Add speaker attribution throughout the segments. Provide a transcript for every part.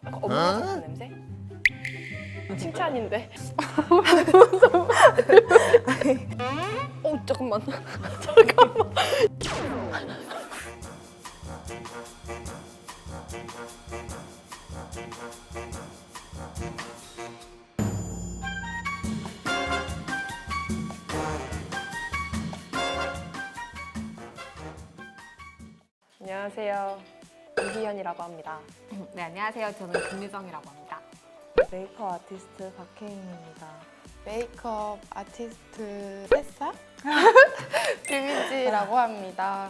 Speaker 1: 엄마 같은 냄새? 칭찬인데. 잠깐만. 잠깐만. 안녕하세요. 이희연이라고 합니다.
Speaker 2: 네, 안녕하세요. 저는 김유정이라고 합니다.
Speaker 3: 메이크업 아티스트 박혜인입니다.
Speaker 4: 메이크업 아티스트 햇사? 김희지라고 합니다.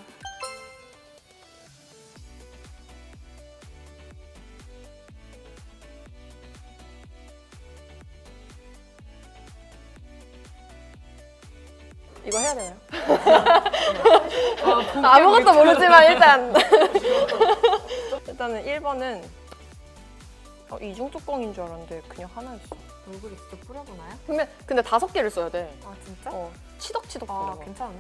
Speaker 1: 이거 해야 되나요? 아무것도 모르지만 일단은 1번은 이중 뚜껑인 줄 알았는데 그냥 하나였어.
Speaker 2: 얼굴에 직접 뿌려보나요?
Speaker 1: 근데 5개를 써야 돼.
Speaker 2: 아, 진짜?
Speaker 1: 치덕치덕
Speaker 2: 아,
Speaker 1: 뿌려.
Speaker 2: 괜찮은데?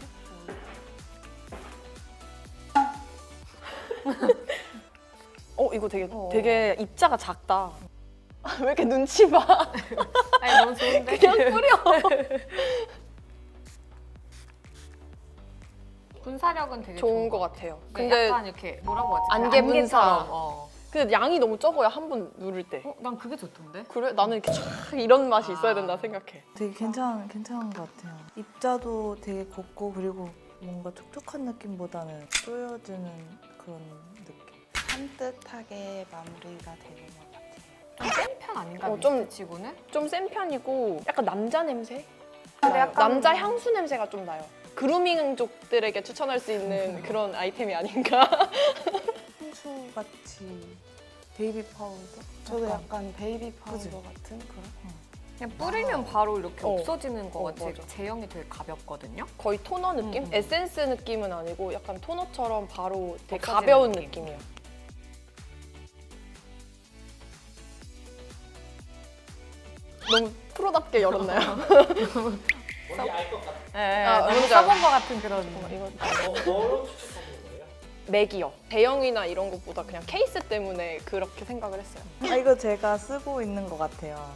Speaker 1: 이거 되게 입자가 작다. 왜 이렇게 눈치 봐?
Speaker 2: 아니, 너무 좋은데?
Speaker 1: 그냥 뿌려.
Speaker 2: 분사력은 되게
Speaker 1: 좋은 것 같아요.
Speaker 2: 근데
Speaker 1: 근데
Speaker 2: 약간 이렇게 뭐라고 하지?
Speaker 1: 안개 분사.
Speaker 2: 안개처럼.
Speaker 1: 근데 양이 너무 적어야 한 번 누를 때.
Speaker 2: 난 그게 좋던데?
Speaker 1: 그래? 나는 이렇게 촥 이런 맛이 있어야 된다 생각해.
Speaker 3: 되게 괜찮은 것 같아요. 입자도 되게 곱고 그리고 뭔가 촉촉한 느낌보다는 쪼여지는 그런 느낌.
Speaker 4: 산뜻하게 마무리가 되는 것 같아요.
Speaker 2: 좀 센 편 아닌가?
Speaker 1: 좀-
Speaker 2: 미스트치고는?
Speaker 1: 좀 센 편이고 약간 남자 냄새?
Speaker 2: 근데
Speaker 1: 나요.
Speaker 2: 약간-
Speaker 1: 남자 향수 냄새가 좀 나요. 그루밍족들에게 추천할 수 있는 그런 아이템이 아닌가?
Speaker 3: 향수같이 베이비 파우더?
Speaker 4: 저도 약간 베이비 파우더
Speaker 3: 그치?
Speaker 4: 같은 그런?
Speaker 2: 그냥 뿌리면 바로 이렇게 없어지는 것 같이
Speaker 1: 맞아.
Speaker 2: 제형이 되게 가볍거든요?
Speaker 1: 거의 토너 느낌?
Speaker 2: 음.
Speaker 1: 에센스 느낌은 아니고 약간 토너처럼 바로 되게
Speaker 2: 없어지는
Speaker 1: 가벼운
Speaker 2: 느낌.
Speaker 1: 느낌이에요. 너무 프로답게 열었나요?
Speaker 5: 뭔지 알 것 같아요.
Speaker 2: 네,
Speaker 1: 너무
Speaker 2: 너무
Speaker 1: 잘-
Speaker 2: 써본 것 같은 그런.
Speaker 1: 이거
Speaker 5: 뭐로 추천하는 거예요?
Speaker 1: 맥이요. 대형이나 이런 것보다 그냥 케이스 때문에 그렇게 생각을 했어요.
Speaker 3: 이거 제가 쓰고 있는 것 같아요.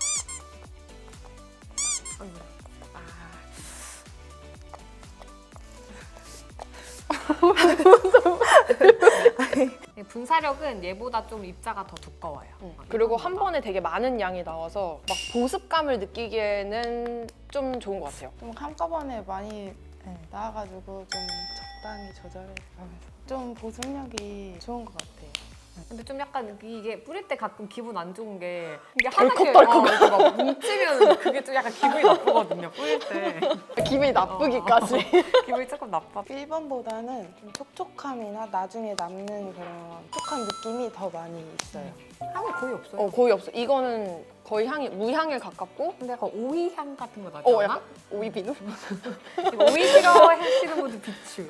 Speaker 2: 분사력은 얘보다 좀 입자가 더 두꺼워요.
Speaker 1: 그리고
Speaker 2: 이거보다.
Speaker 1: 한 번에 되게 많은 양이 나와서 막 보습감을 느끼기에는 좀 좋은 것 같아요.
Speaker 4: 좀 한꺼번에 많이 나와가지고 좀 적당히 조절해서 좀 보습력이 좋은 것 같아요.
Speaker 2: 근데 좀 약간 이게 뿌릴 때 가끔 기분 안 좋은 게 이게
Speaker 1: 덜컥덜컥.
Speaker 2: 이렇게 막 뭉치면 그게 좀 약간 기분이 나쁘거든요. 뿌릴 때
Speaker 1: 기분이 나쁘기까지.
Speaker 2: 기분이 조금 나빠.
Speaker 4: 1번보다는 좀 촉촉함이나 나중에 남는 그런 촉촉한 느낌이 더 많이 있어요.
Speaker 2: 향이 거의 없어요.
Speaker 1: 거의 없어. 이거는 거의 향이 무향에 가깝고
Speaker 2: 근데 약간 오이 향 같은 거 나지 않아?
Speaker 1: 약간 오이 비누?
Speaker 2: 이거 오이 싫어하시는 분들 비추.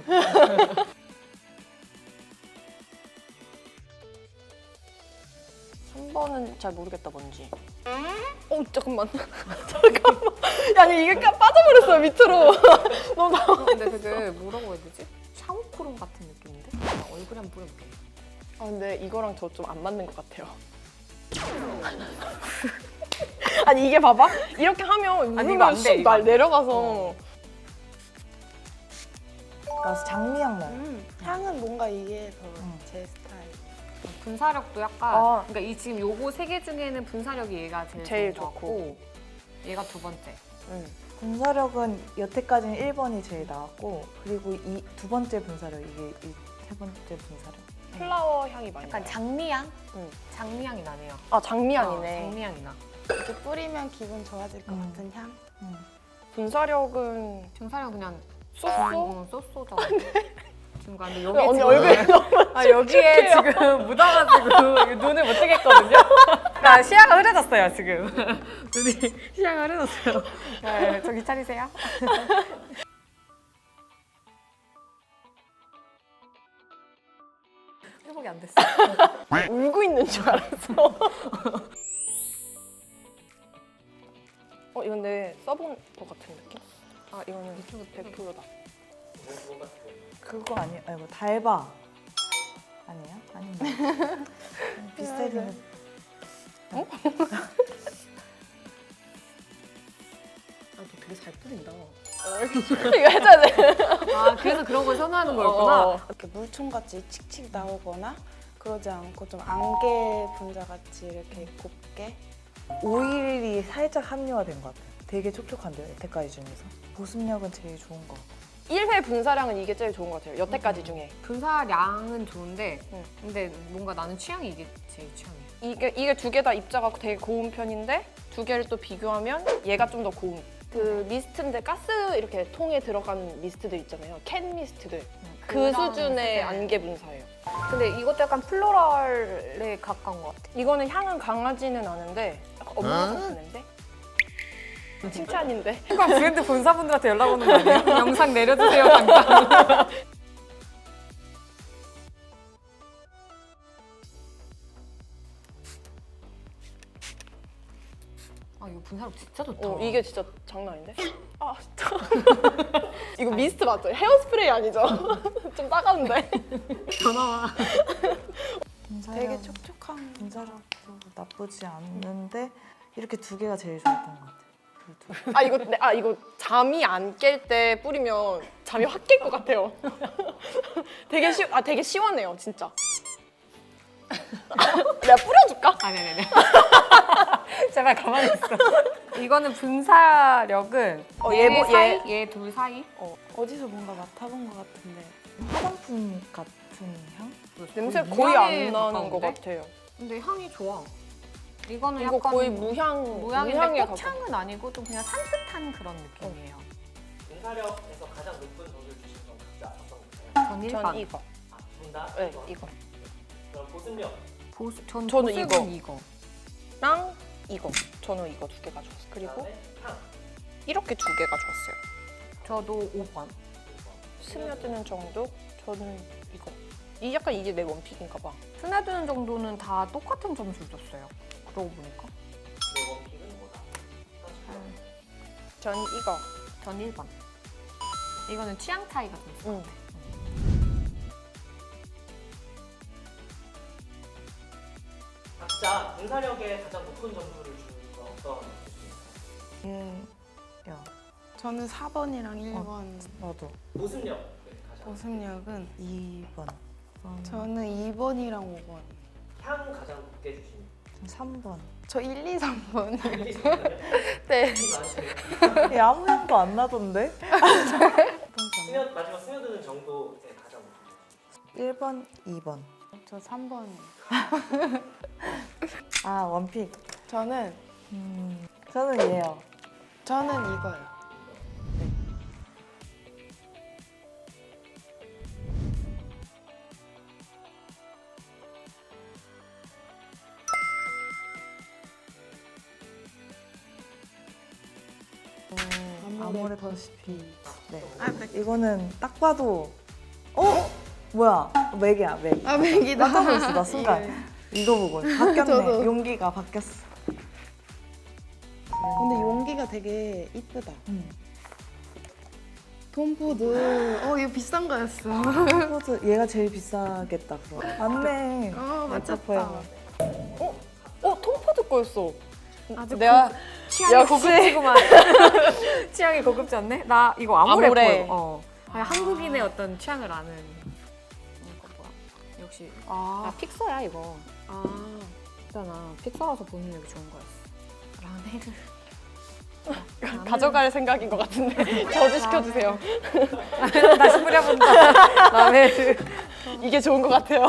Speaker 1: 3번은 잘 모르겠다 뭔지. 잠깐만. 잠깐만. 아니 이게 빠져버렸어요 밑으로. 너무 나.
Speaker 2: 근데 되게 뭐라고 해야 되지? 샤워크림 같은 느낌인데? 얼굴에 한번 뿌려볼게.
Speaker 1: 근데 이거랑 저 좀 안 맞는 것 같아요. 아니 이게 봐봐. 이렇게 하면
Speaker 2: 아니, 이거 안
Speaker 1: 물을
Speaker 2: 돼,
Speaker 1: 쑥
Speaker 2: 이거 안 돼.
Speaker 1: 내려가서.
Speaker 3: 나 장미향 나요.
Speaker 4: 향은 뭔가 이게 더
Speaker 3: 음.
Speaker 4: 제 스타일.
Speaker 2: 분사력도 약간 그러니까 이 지금 요거 3개 중에는 분사력이 얘가 제일 좋은 것 같고 얘가 두 번째.
Speaker 3: 분사력은 여태까지는 1번이 제일 나왔고 그리고 이 두 번째 분사력 이게 이 세 번째 분사력.
Speaker 1: 플라워 향이 많이
Speaker 2: 약간
Speaker 1: 나요.
Speaker 2: 장미향?
Speaker 1: 응.
Speaker 2: 장미향이 나네요.
Speaker 1: 장미향이네.
Speaker 2: 장미향이 나.
Speaker 4: 이렇게 뿌리면 기분 좋아질 것 같은 향?
Speaker 1: 분사력은
Speaker 2: 분사력 그냥
Speaker 1: 쏘쏘?
Speaker 2: 쏘쏘죠. 지금 근데 여기
Speaker 1: 언니
Speaker 2: 지금
Speaker 1: 얼굴에
Speaker 2: 여기에 지금 묻어가지고 눈을 못 뜨겠거든요. 나 시야가 흐려졌어요 지금. 눈이 시야가 흐려졌어요. 네, 저기 차리세요. 회복이 안 됐어.
Speaker 1: 울고 있는 줄 알았어. 이건 내 써본 것 같은 느낌? 이거는 100%다.
Speaker 3: 그거 아니고 달바 아니에요? 아닌가? 비슷해 생겼.
Speaker 1: 너 되게 잘 뿌린다. 이거 해줘야 돼.
Speaker 2: 아 그래서 그런 걸 선호하는 거였구나.
Speaker 4: 이렇게 물총같이 칙칙 나오거나 그러지 않고 좀 안개 분자같이 이렇게 곱게.
Speaker 3: 오일이 살짝 함유화된 것 같아요. 되게 촉촉한데요, 여태까지 중에서. 보습력은 제일 좋은 것 같아요.
Speaker 1: 1회 분사량은 이게 제일 좋은 것 같아요. 여태까지 중에.
Speaker 2: 분사량은 좋은데
Speaker 1: 응.
Speaker 2: 근데 뭔가 나는 취향이 이게 제일 취향이야.
Speaker 1: 이게 두 개 다 입자가 되게 고운 편인데 두 개를 또 비교하면 얘가 좀 더 고운. 그 미스트인데 가스 이렇게 통에 들어간 미스트들 있잖아요. 캔 미스트들. 그
Speaker 2: 그런
Speaker 1: 수준의
Speaker 2: 미스트들.
Speaker 1: 안개 분사예요.
Speaker 2: 근데 이것도 약간 플로럴에 가까운 것 같아.
Speaker 1: 이거는 향은 강하지는 않은데 약간 업무 같은 냄새? 칭찬인데.
Speaker 2: 그러니까 브랜드 본사분들한테 연락 오는 거 아니에요? 영상 내려주세요 당장. 아 이거 분사력 진짜 좋다.
Speaker 1: 이게 진짜 장난 아닌데? 아 진짜. 이거 미스트 맞죠? 헤어스프레이 아니죠? 좀 따가운데?
Speaker 2: 전화와.
Speaker 4: 되게 촉촉한.
Speaker 3: 분사력도 나쁘지 않는데 이렇게 두 개가 제일 좋았던 것 같아요. 그 두.
Speaker 1: 이거 잠이 안 깰 때 뿌리면 잠이 확 깰 것 같아요. 되게 시원해요, 진짜. 내가 뿌려줄까?
Speaker 2: 아니. 제발 가만히 있어. 이거는 분사력은 얘 둘 사이?
Speaker 4: 어디서 뭔가 맡아본 것 같은데.
Speaker 3: 화장품 같은 향?
Speaker 1: 냄새 거의 안
Speaker 2: 무향에
Speaker 1: 나는 것
Speaker 2: 가까운데?
Speaker 1: 같아요.
Speaker 2: 근데 향이 좋아. 이거는
Speaker 1: 이거
Speaker 2: 약간
Speaker 1: 거의 무향에
Speaker 2: 무향인데
Speaker 1: 가까워.
Speaker 2: 꽃향은 아니고 좀 그냥 산뜻한 그런 느낌이에요.
Speaker 5: 분사력에서 가장 높은 점수를 주신 건 각자 어떤 건가요?
Speaker 2: 전 일반.
Speaker 1: 전 이거.
Speaker 5: 둘다
Speaker 1: 네, 이거.
Speaker 5: 그럼 보습력.
Speaker 2: 저는
Speaker 1: 저는
Speaker 2: 보습은 이거.
Speaker 1: 랑 이거. 저는 이거 두 개가 좋았어요. 그리고
Speaker 5: 그다음에 향.
Speaker 1: 이렇게 두 개가 좋았어요.
Speaker 2: 저도 5번.
Speaker 1: 스며드는 정도? 저는 이거. 약간 이게 내 원픽인가 봐.
Speaker 2: 스며드는 정도는 다 똑같은 점수를 줬어요. 그러고 보니까.
Speaker 5: 내 원픽은 뭐다?
Speaker 1: 전 이거.
Speaker 2: 전 1번. 이거는 취향 차이가 좀 있어.
Speaker 1: 응.
Speaker 5: 각자 분사력에 가장 높은 점수를 주는 건 어떤 느낌인가요?
Speaker 3: 야,
Speaker 4: 저는 4번이랑 1번.
Speaker 3: 나도
Speaker 5: 보습력 가장.
Speaker 4: 보습력은
Speaker 3: 2번.
Speaker 4: 저는 2번이랑 5번.
Speaker 5: 향 가장 높게 주신.
Speaker 3: 3번.
Speaker 4: 저 1, 2, 3번.
Speaker 1: 네.
Speaker 5: 많으시네요.
Speaker 3: 아무 향도 안 나던데?
Speaker 5: 마지막 스며드는 정도에 가장 높은
Speaker 3: 1번, 2번.
Speaker 4: 저 3번.
Speaker 3: 아, 원픽.
Speaker 4: 저는
Speaker 3: 저는 얘요.
Speaker 4: 저는 이거요.
Speaker 3: 아모레퍼시피. 네. 이거는 딱 봐도 뭐야? 맥이야, 맥.
Speaker 4: 아, 맥이다.
Speaker 3: 깜짝 놀랐어, 나 순간. 이거 보고 바뀌었네.
Speaker 4: 저도.
Speaker 3: 용기가 바뀌었어.
Speaker 4: 근데 용기가 되게 이쁘다.
Speaker 3: 음.
Speaker 4: 톰포드. 이거 비싼 거였어.
Speaker 3: 포즈 얘가 제일 비싸겠다. 그거. 맞네.
Speaker 4: 맞췄다.
Speaker 1: 톰포드 거였어.
Speaker 2: 아주
Speaker 1: 내가
Speaker 2: 취향이
Speaker 1: 역시.
Speaker 2: 고급지구만. 취향이 고급지 않네? 나 이거 아모레.
Speaker 1: 아모레.
Speaker 2: 그냥 한국인의 어떤 취향을 아는. 이거 뭐야? 역시 나 픽서야 이거. 있잖아. 픽서라서 보습력이 좋은 거였어. 라메르.
Speaker 1: 가져갈 생각인 것 같은데 저지 시켜주세요.
Speaker 2: 다시 뿌려본다. 라메르.
Speaker 1: 이게 좋은 것 같아요.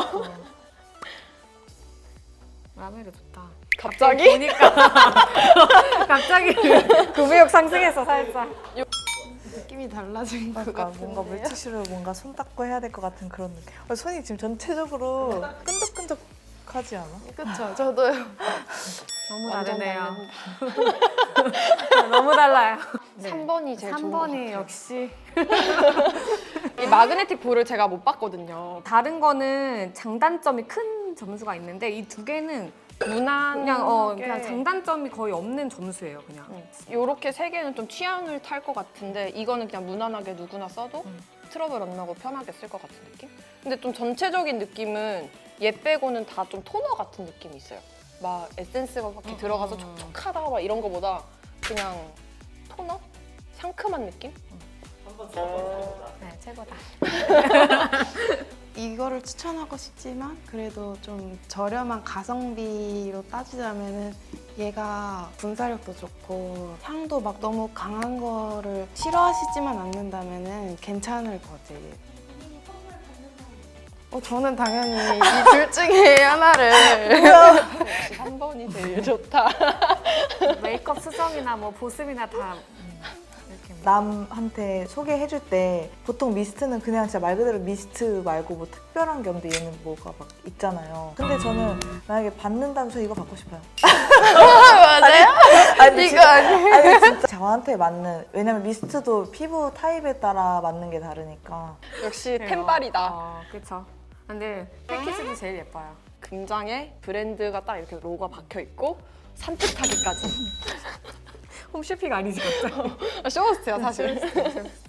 Speaker 2: 라메르 좋다.
Speaker 1: 갑자기?
Speaker 2: 보니까 갑자기 구매욕 상승했어 살짝.
Speaker 4: 느낌이 달라진 것
Speaker 3: 그러니까
Speaker 4: 같은데.
Speaker 3: 뭔가 물티슈로 뭔가 손 닦고 해야 될 것 같은 그런 느낌. 손이 지금 전체적으로 끈적끈적하지 않아?
Speaker 4: 그쵸, 저도요.
Speaker 2: 너무
Speaker 1: 완전
Speaker 2: 다르네요. 너무 달라요.
Speaker 1: 3번이 제일 좋은 것
Speaker 2: 3번이
Speaker 1: 같아요.
Speaker 2: 역시.
Speaker 1: 이 마그네틱 볼을 제가 못 봤거든요.
Speaker 2: 다른 거는 장단점이 큰 점수가 있는데 이 두 개는
Speaker 1: 무난
Speaker 2: 그냥 장단점이 거의 없는 점수예요 그냥.
Speaker 1: 요렇게 세 개는 좀 취향을 탈 것 같은데 이거는 그냥 무난하게 누구나 써도 트러블 안 나고 편하게 쓸 것 같은 느낌? 근데 좀 전체적인 느낌은 얘 빼고는 다 좀 토너 같은 느낌이 있어요. 막 에센스가 막 이렇게 들어가서 촉촉하다 막 이런 거보다 그냥 토너? 상큼한 느낌?
Speaker 5: 한번 써보자.
Speaker 2: 네, 최고다.
Speaker 4: 이거를 추천하고 싶지만 그래도 좀 저렴한 가성비로 따지자면은 얘가 분사력도 좋고 향도 막 너무 강한 거를 싫어하시지만 않는다면은 괜찮을 거지. 저는 당연히 이 둘 중에 하나를
Speaker 1: 역시 3번이 제일 좋다.
Speaker 2: 메이크업 수정이나 뭐 보습이나 다 이렇게
Speaker 3: 남한테 소개해줄 때 보통 미스트는 그냥 진짜 말 그대로 미스트 말고 뭐 특별한 게 없는데 얘는 뭐가 막 있잖아요. 근데 저는 만약에 받는다면 저 이거 받고 싶어요.
Speaker 4: 맞아요?
Speaker 3: 아니,
Speaker 4: 이거 아니에요?
Speaker 3: 아니 진짜 저한테 맞는, 왜냐면 미스트도 피부 타입에 따라 맞는 게 다르니까.
Speaker 1: 역시 템빨이다.
Speaker 2: 그쵸. 근데 패키지도 제일 예뻐요.
Speaker 1: 금장에 브랜드가 딱 이렇게 로고가 박혀 있고 산뜻하기까지.
Speaker 2: 홈쇼핑 아니지, 갑자기.
Speaker 1: 쇼호스트야 사실.